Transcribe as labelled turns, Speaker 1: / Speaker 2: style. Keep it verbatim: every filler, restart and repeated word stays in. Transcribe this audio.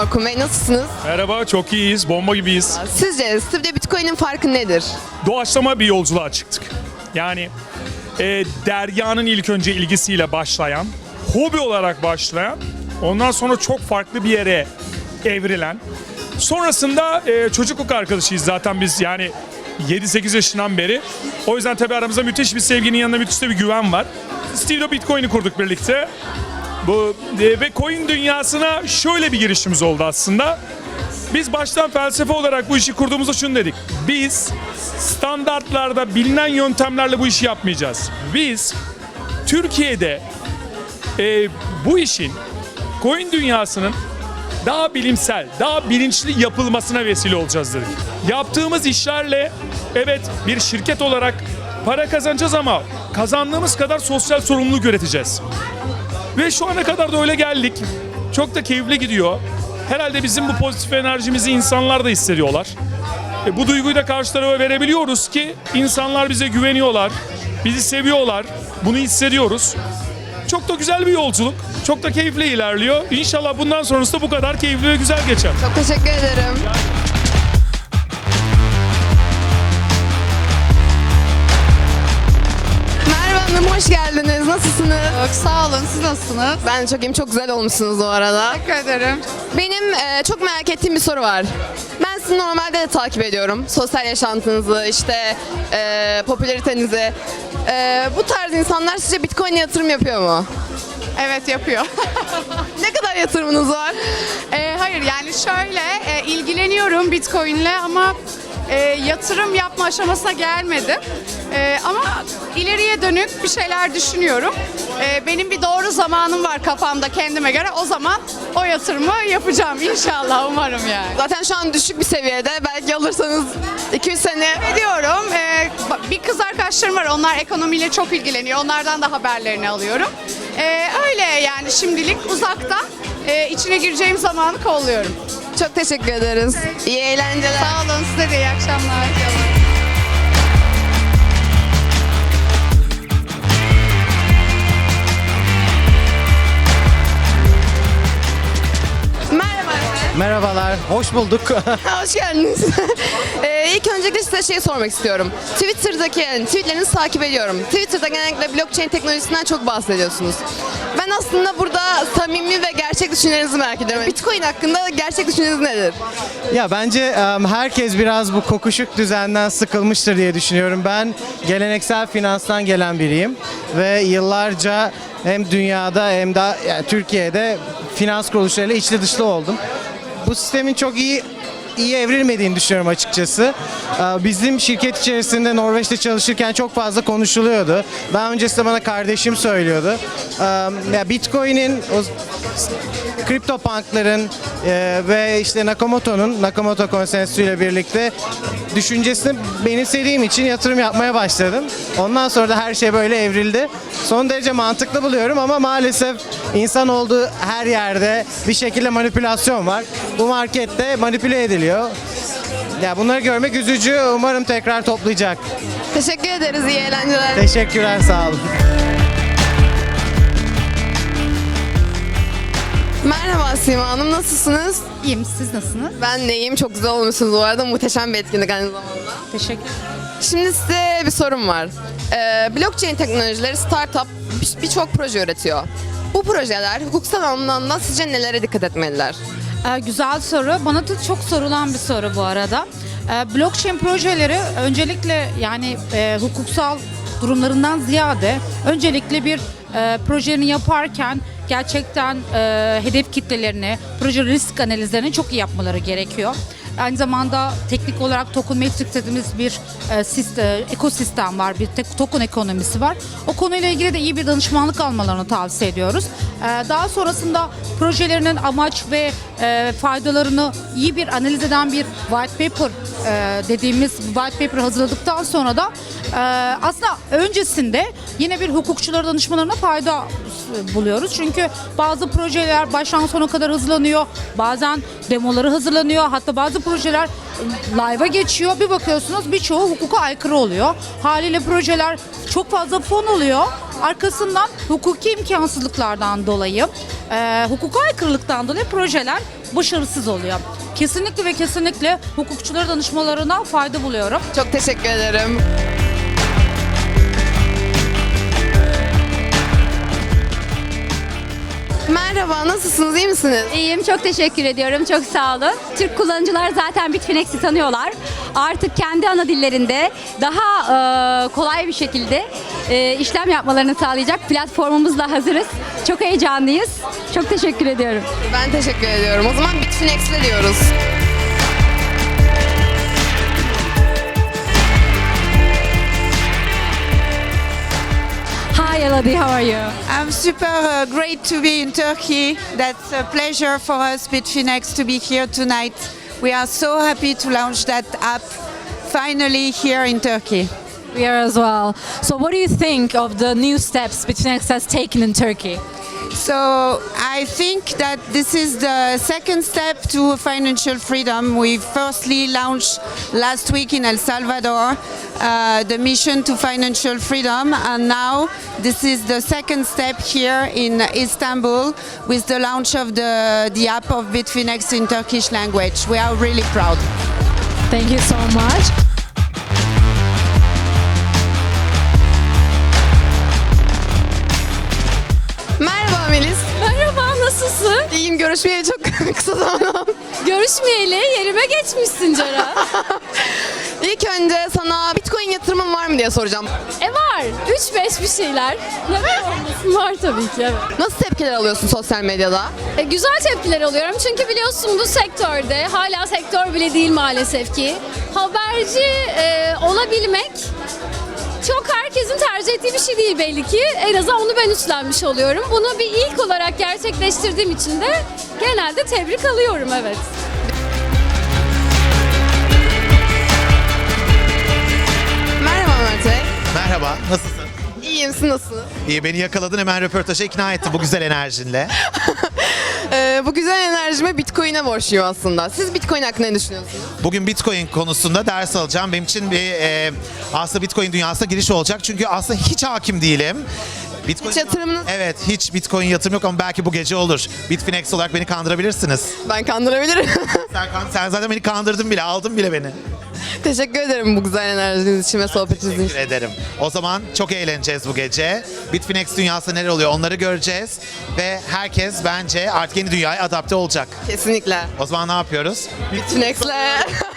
Speaker 1: Orkun Bey, nasılsınız?
Speaker 2: Merhaba, çok iyiyiz, bomba gibiyiz.
Speaker 1: Sizce Stev'de Bitcoin'in farkı nedir?
Speaker 2: Doğaçlama bir yolculuğa çıktık. Yani e, Derya'nın ilk önce ilgisiyle başlayan, hobi olarak başlayan, ondan sonra çok farklı bir yere evrilen, sonrasında e, çocukluk arkadaşıyız zaten biz, yani yedi sekiz yaşından beri. O yüzden tabii aramızda müthiş bir sevginin yanında müthiş de bir güven var. Stev'de Bitcoin'i kurduk birlikte. Bu e, ve coin dünyasına şöyle bir girişimiz oldu aslında. Biz baştan felsefe olarak bu işi kurduğumuzda şunu dedik. Biz standartlarda bilinen yöntemlerle bu işi yapmayacağız. Biz Türkiye'de e, bu işin, coin dünyasının daha bilimsel, daha bilinçli yapılmasına vesile olacağız dedik. Yaptığımız işlerle evet bir şirket olarak para kazanacağız ama kazandığımız kadar sosyal sorumluluk üreteceğiz. Ve şu ana kadar da öyle geldik. Çok da keyifli gidiyor. Herhalde bizim bu pozitif enerjimizi insanlar da hissediyorlar. E, bu duyguyu da karşı tarafa verebiliyoruz ki insanlar bize güveniyorlar, bizi seviyorlar. Bunu hissediyoruz. Çok da güzel bir yolculuk. Çok da keyifli ilerliyor. İnşallah bundan sonrası da bu kadar keyifli ve güzel geçer.
Speaker 1: Çok teşekkür ederim. Merhaba Hanım, hoş geldiniz. Nasılsınız?
Speaker 3: Çok sağ olun. Siz nasılsınız?
Speaker 1: Ben de çok iyiyim. Çok güzel olmuşsunuz bu arada.
Speaker 3: Teşekkür ederim.
Speaker 1: Benim e, çok merak ettiğim bir soru var. Ben sizi normalde de takip ediyorum. Sosyal yaşantınızı, işte e, popülaritenizi. E, bu tarz insanlar sizce Bitcoin'e yatırım yapıyor mu?
Speaker 3: Evet, yapıyor.
Speaker 1: Ne kadar yatırımınız var?
Speaker 3: Ee, hayır, yani şöyle e, ilgileniyorum Bitcoin'le ama e, yatırım yapma aşamasına gelmedim. E, ama ileriye dönük bir şeyler düşünüyorum. E, benim bir doğru zamanım var kafamda kendime göre. O zaman o yatırımı yapacağım inşallah, umarım yani.
Speaker 1: Zaten şu an düşük bir seviyede. Belki alırsanız iki üç sene.
Speaker 3: Ediyorum. Ee, bir kız arkadaşlarım var. Onlar ekonomiyle çok ilgileniyor. Onlardan da haberlerini alıyorum. Ee, öyle yani, şimdilik uzaktan e, içine gireceğim zamanı kolluyorum.
Speaker 1: Çok teşekkür ederiz. İyi eğlenceler.
Speaker 3: Sağ olun, size de iyi akşamlar.
Speaker 1: Merhaba efendim.
Speaker 4: Merhabalar, hoş bulduk.
Speaker 1: Hoş geldiniz. ee, ilk öncelikle size şey sormak istiyorum. Twitter'daki yani tweetlerinizi takip ediyorum. Twitter'da genellikle blockchain teknolojisinden çok bahsediyorsunuz. Ben aslında burada samimi ve gerçek düşüncelerinizi merak ediyorum. Bitcoin hakkında gerçek düşünceniz nedir?
Speaker 4: Ya bence em, herkes biraz bu kokuşuk düzenden sıkılmıştır diye düşünüyorum. Ben geleneksel finanstan gelen biriyim ve yıllarca hem dünyada hem de yani Türkiye'de finans kuruluşlarıyla içli dışlı oldum. Bu sistemin çok iyi iyi evrilmediğini düşünüyorum açıkçası. Ee, Bizim şirket içerisinde Norveç'te çalışırken çok fazla konuşuluyordu. Daha öncesinde bana kardeşim söylüyordu. Ee, Ya Bitcoin'in, o CryptoPunk'ların e, ve işte Nakamoto'nun, Nakamoto Konsensüsü ile birlikte düşüncesini benimsediğim için yatırım yapmaya başladım. Ondan sonra da her şey böyle evrildi. Son derece mantıklı buluyorum ama maalesef insan olduğu her yerde bir şekilde manipülasyon var. Bu markette manipüle ediliyor. Ya bunları görmek üzücü. Umarım tekrar toplayacak.
Speaker 1: Teşekkür ederiz. İyi eğlenceler.
Speaker 4: Teşekkürler, sağ olun.
Speaker 1: Merhaba Sima Hanım. Nasılsınız?
Speaker 5: İyiyim, siz nasılsınız?
Speaker 1: Ben de iyiyim. Çok güzel olmuşsunuz bu arada. Muhteşem bir etkinlik aynı zamanda.
Speaker 5: Teşekkür ederim.
Speaker 1: Şimdi size bir sorum var. Ee, blockchain teknolojileri startup bir- birçok proje üretiyor. Bu projeler hukuksal anlamda sizce nelere dikkat etmeliler?
Speaker 5: Ee, güzel soru. Bana da çok sorulan bir soru bu arada. Ee, blockchain projeleri öncelikle yani e, hukuksal durumlarından ziyade öncelikle bir e, projeni yaparken gerçekten e, hedef kitlelerini, proje risk analizlerini çok iyi yapmaları gerekiyor. Aynı zamanda teknik olarak token matrix dediğimiz bir e, sistem, ekosistem var, bir tek token ekonomisi var. O konuyla ilgili de iyi bir danışmanlık almalarını tavsiye ediyoruz. E, daha sonrasında projelerinin amaç ve e, faydalarını iyi bir analiz eden bir white paper e, dediğimiz white paper hazırladıktan sonra da e, aslında öncesinde yine bir hukukçulara danışmalarına fayda buluyoruz. Çünkü bazı projeler baştan sona kadar hızlanıyor. Bazen demoları hazırlanıyor. Hatta bazı projeler live'a geçiyor. Bir bakıyorsunuz birçoğu hukuka aykırı oluyor. Haliyle projeler çok fazla fon oluyor. Arkasından hukuki imkansızlıklardan dolayı e, hukuka aykırılıktan dolayı projeler başarısız oluyor. Kesinlikle ve kesinlikle hukukçulara danışmalarına fayda buluyorum.
Speaker 1: Çok teşekkür ederim. Merhaba, nasılsınız? İyi misiniz?
Speaker 6: İyiyim, çok teşekkür ediyorum. Çok sağ olun. Türk kullanıcılar zaten Bitfinex'i tanıyorlar. Artık kendi ana dillerinde daha e, kolay bir şekilde e, işlem yapmalarını sağlayacak platformumuzla hazırız. Çok heyecanlıyız. Çok teşekkür ediyorum.
Speaker 1: Ben teşekkür ediyorum. O zaman Bitfinex'le diyoruz.
Speaker 6: Hi Elodie, how are you?
Speaker 7: I'm super uh, great to be in Turkey. That's a pleasure for us, Bitfinex, to be here tonight. We are so happy to launch that app finally here in Turkey.
Speaker 6: We are as well. So what do you think of the new steps Bitfinex has taken in Turkey?
Speaker 7: So I think that this is the second step to financial freedom. We firstly launched last week in El Salvador uh, the mission to financial freedom, and now this is the second step here in Istanbul with the launch of the, the app of Bitfinex in Turkish language. We are really proud.
Speaker 6: Thank you so much.
Speaker 1: Merhaba Melis.
Speaker 8: Merhaba, nasılsın?
Speaker 1: İyiyim, görüşmeyeli çok kısa zaman oldu.
Speaker 8: Görüşmeyeli yerime geçmişsin Ceren.
Speaker 1: İlk önce sana Bitcoin yatırımın var mı diye soracağım.
Speaker 8: e var, üç beş bir şeyler. Neden olmasın? Var tabii ki, evet.
Speaker 1: Nasıl tepkiler alıyorsun sosyal medyada?
Speaker 8: E, güzel tepkiler alıyorum çünkü biliyorsun bu sektörde, hala sektör bile değil maalesef ki, haberci e, olabilmek çok herkesin tercih ettiği bir şey değil belli ki. En azından onu ben üstlenmiş oluyorum. Bunu bir ilk olarak gerçekleştirdiğim için de genelde tebrik alıyorum, evet.
Speaker 1: Merhaba Mert Bey.
Speaker 9: Merhaba, nasılsın?
Speaker 1: İyiyim, siz nasılsınız?
Speaker 9: İyi, beni yakaladın, hemen röportaja ikna ettin bu güzel enerjinle.
Speaker 1: Ee, bu güzel enerjime Bitcoin'e borçluyum aslında. Siz Bitcoin hakkında ne düşünüyorsunuz?
Speaker 9: Bugün Bitcoin konusunda ders alacağım. Benim için bir e, aslında Bitcoin dünyasına giriş olacak. Çünkü aslında hiç hakim değilim. Bitcoin...
Speaker 1: Hiç yatırımınız-
Speaker 9: Evet, hiç Bitcoin yatırım yok ama belki bu gece olur. Bitfinex olarak beni kandırabilirsiniz.
Speaker 1: Ben kandırabilirim.
Speaker 9: Sen, kan- sen zaten beni kandırdın bile, aldın bile beni.
Speaker 1: Teşekkür ederim bu güzel enerjiniz için ve sohbetiniz için.
Speaker 9: Teşekkür ederim. O zaman çok eğleneceğiz bu gece. Bitfinex dünyasında neler oluyor onları göreceğiz. Ve herkes bence artık yeni dünyaya adapte olacak.
Speaker 1: Kesinlikle.
Speaker 9: O zaman ne yapıyoruz?
Speaker 1: Bitfinex'le.